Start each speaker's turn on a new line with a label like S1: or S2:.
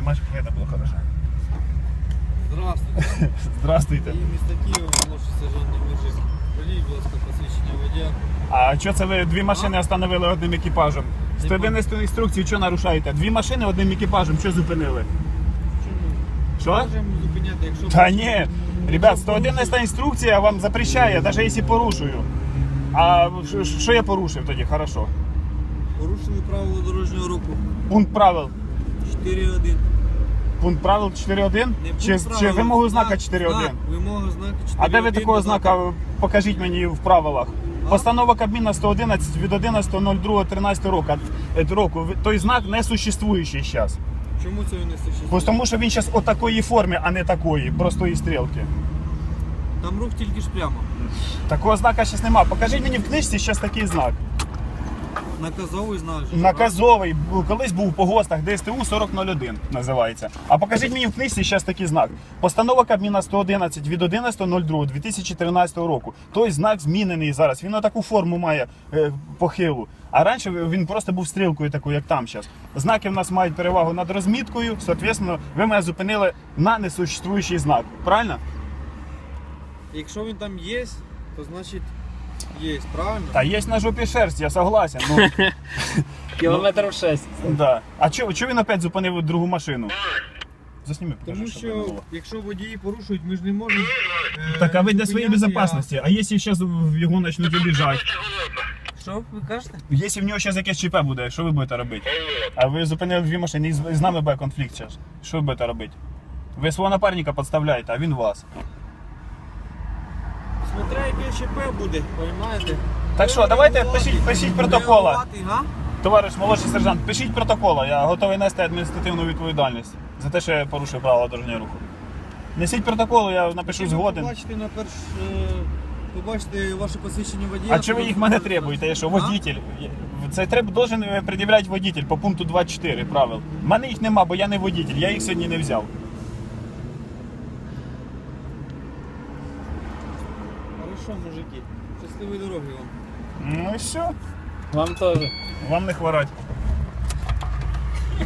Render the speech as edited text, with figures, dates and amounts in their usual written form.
S1: знімаєш, щоб видно було хорошо.
S2: Здравствуйте.
S1: Здравствуйте.
S2: І місто Києва, молодший сержант Немержик. Полій, будь ласка, посвідчення водія.
S1: А що це ви дві машини остановили одним екіпажем? 111 інструкції, що нарушаєте? Дві машини одним екіпажем, що зупинили?
S2: Чому?
S1: Що?
S2: Можемо зупиняти, якщо...
S1: Та ні, ребят, 111 інструкція вам запрещає, навіть якщо порушую. А що я порушив тоді? Хорошо.
S2: Порушили правила дорожнього руху.
S1: Пункт правил.
S2: 4.1.
S1: Пункт правил 4.1?
S2: Не пункт
S1: Чи
S2: правил,
S1: вимогу знака
S2: знак,
S1: 4.1?
S2: знак, вимога знака 4.1.
S1: А де ви такого
S2: додаток.
S1: знака покажіть мені в правилах? Постанова Кабміна 111 від 11.02.13 року. Той знак не существуючий зараз.
S2: Чому це не существує?
S1: Тому що він зараз у такої формі, а не такої, простої стрілки.
S2: Там рух тільки ж прямо.
S1: Такого знака зараз немає. Покажіть мені в книжці зараз такий знак.
S2: Наказовий знак. же,
S1: Наказовий, колись був по ГОСТах, ДСТУ 4001 називається. А покажіть мені в книжці зараз такий знак. Постанова Кабміна 111 від 11.02.2013 року. Той знак змінений зараз. Він таку форму має похилу. А раніше він просто був стрілкою такою, як там зараз. Знаки в нас мають перевагу над розміткою, соответственно, ви мене зупинили на несуществуючий знак. Правильно?
S2: Якщо він там є, то значить є, правильно?
S1: Та є на жопі шерсть, я согласен. Ну,
S3: Кілометрів 6.
S1: да. А чого він опять зупинив другу машину? Засніми, покажи,
S2: Тому
S1: щоб
S2: що
S1: видно було.
S2: якщо водії порушують, ми ж не можемо.
S1: Так, а ви для своєї
S2: зупиняти,
S1: безпечності. А якщо зараз його почнуть обіжати?
S2: Що ви кажете?
S1: Якщо в нього зараз якесь ЧП буде, що ви будете робити? А ви зупинили дві машини, і з нами буде конфлікт зараз. Що ви будете робити? Ви свого напарника підставляєте, а він вас.
S2: Смотря яке ЧП буде, розумієте?
S1: Так що, давайте пишіть протокола.
S2: Реагувати, га?
S1: Товариш молодший сержант, пишіть протокола, я готовий нести адміністративну відповідальність за те, що я порушив правила дорожнього руху. Несіть протокол, я напишу згоден.
S2: Побачите ваше посвідчення водія.
S1: А чи ви їх мене требуєте? Я що, водитель? Це должен пред'являти водитель по пункту 24 правил. У мене їх нема, бо я не водитель, я їх сьогодні не взяв.
S2: Хорошо, мужики. Щасливої дороги вам.
S1: Ну і все,
S3: Вам теж.
S1: вам не хворать.